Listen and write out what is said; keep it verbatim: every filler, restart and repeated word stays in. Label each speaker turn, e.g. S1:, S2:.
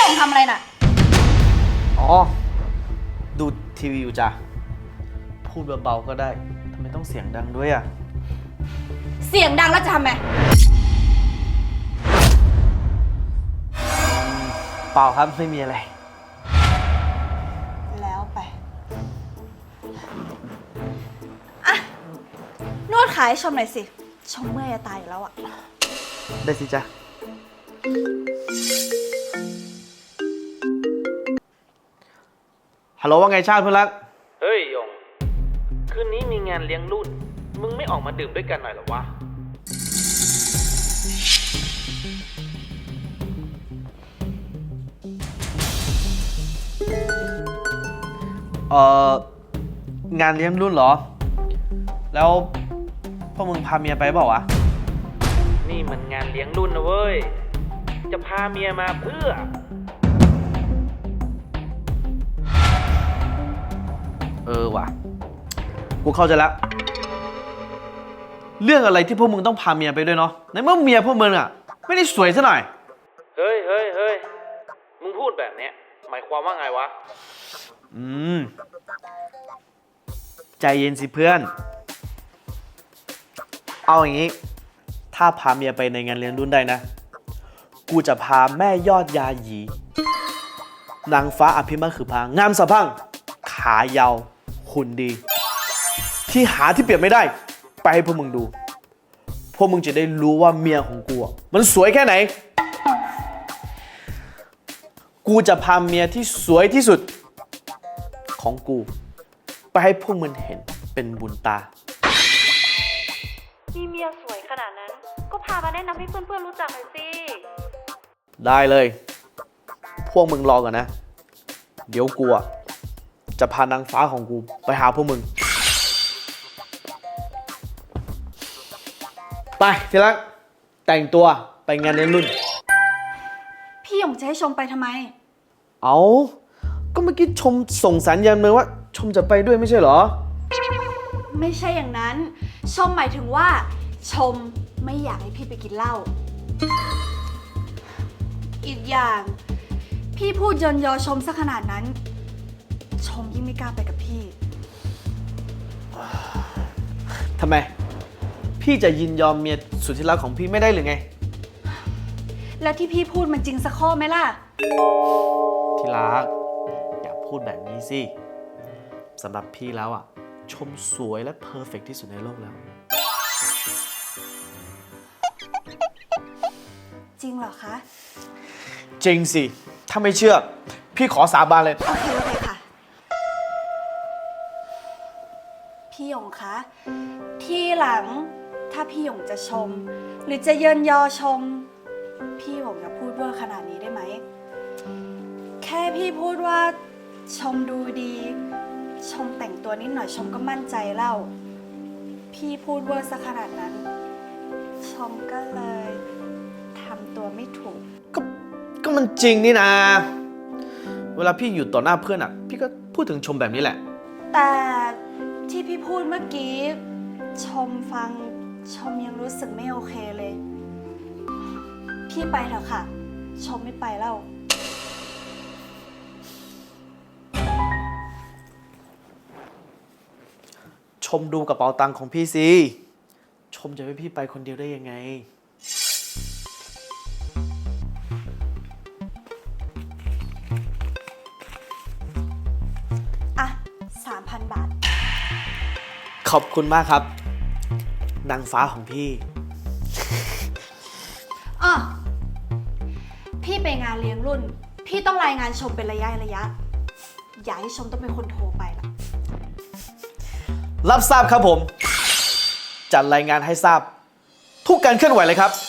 S1: หยงทำอะไรน่ะ
S2: อ๋อดูทีวีอยู่จ้ะพูดเบาๆก็ได้ทำไมต้องเสียงดังด้วยอ่ะ
S1: เสียงดังแล้วจะทำไม
S2: เปล่าครับไม่มีอะไร
S1: แล้วไปอ่ะนวดขาให้ชมหน่อยสิชมเมื่อยจะตายอยู่แล้วอ่ะ
S2: ได้สิจ้ะฮัลโหลว่าไงชาติเพื่อนรักเฮ้ยยงคืนนี้มีงานเลี้ยงรุ่นมึงไม่ออกมาดื่มด้วยกันหน่อยหรอวะเอ่องานเลี้ยงรุ่นเหรอแล้วพวกมึงพาเมียไปเปล่าวะนี่มันงานเลี้ยงรุ่นนะเว้ยจะพาเมียมาเพื่อเออว่ะกูเข้าใจแล้วเรื่องอะไรที่พวกมึงต้องพาเมียไปด้วยเนาะในเมื่อเมียพวกมึงอ่ะไม่ได้สวยซะหน่อยเฮ้ยเฮ้ยเฮ้ยมึงพูดแบบเนี้ยหมายความว่าไงวะอืมใจเย็นสิเพื่อนเอาอย่างนี้ถ้าพาเมียไปในงานเลี้ยงรุ่นได้นะกูจะพาแม่ยอดยาหยีนางฟ้าอภิมาคือพางามสะพังขายาวหุ่นดีที่หาที่เปรียบไม่ได้ไปให้พวกมึงดูพวกมึงจะได้รู้ว่าเมียของกูมันสวยแค่ไหนกูจะพาเมียที่สวยที่สุดของกูไปให้พวกมึงเห็นเป็นบุญตา
S3: มีเมียสวยขนาดนั้นก็พามาแนะนำให้เพื่อนๆรู้จักหน่อยสิ
S2: ได้เลยพวกมึงรอก่อนนะเดี๋ยวกูจะพานางฟ้าของกูไปหาพวกมึงไปทีละแต่งตัวไปงานเลี้ยงรุ่น
S1: พี่หยงจะให้ชมไปทำไม
S2: เอาก็เมื่อกี้ชมส่งสัญญาณมาว่าชมจะไปด้วยไม่ใช่เหรอ
S1: ไม่ใช่อย่างนั้นชมหมายถึงว่าชมไม่อยากให้พี่ไปกินเหล้าอีกอย่างพี่พูดยนยอชมซะขนาดนั้นชมยิ่งไม่กล้าไปกับพี่
S2: ทำไมพี่จะยินยอมเมียสุดที่รักของพี่ไม่ได้หรือไง
S1: แล้วที่พี่พูดมันจริงสักข้อไหมล่ะ
S2: ที่รักอย่าพูดแบบนี้สิสำหรับพี่แล้วอ่ะชมสวยและเพอร์เฟกต์ที่สุดในโลกแล้ว
S1: จริงเหรอคะ
S2: จริงสิถ้าไม่เชื่อพี่ขอสาบานเลย
S1: โอเคโอเคค่ะพี่หยงคะที่หลังถ้าพี่หยงจะชมหรือจะเยินยอชมพี่หยงอย่าพูดเวอร์ขนาดนี้ได้ไหมแค่พี่พูดว่าชมดูดีชมแต่งตัวนิดหน่อยชมก็มั่นใจแล้วพี่พูดเวอร์ซะขนาดนั้นชมก็เลยทำตัวไม่ถูก
S2: ก็ก็มันจริงนี่นะเวลาพี่อยู่ต่อหน้าเพื่อนอ่ะพี่ก็พูดถึงชมแบบนี้แหละ
S1: แต่ที่พี่พูดเมื่อกี้ชมฟังชมยังรู้สึกไม่โอเคเลยพี่ไปเถอะค่ะชมไม่ไปแล้ว
S2: ชมดูกระเป๋าตังค์ของพี่สิชมจะให้พี่ไปคนเดียวได้ยังไง
S1: อ่ะ สามพัน บาท
S2: ขอบคุณมากครับนางฟ้าของพี่
S1: อ๋อพี่ไปงานเลี้ยงรุ่นพี่ต้องรายงานชมเป็นระยะระยะอย่าให้ชมต้องเป็นคนโทรไปล่ะ
S2: รับทราบครับผมจัดรายงานให้ทราบทุกการเคลื่อนไหวเลยครับ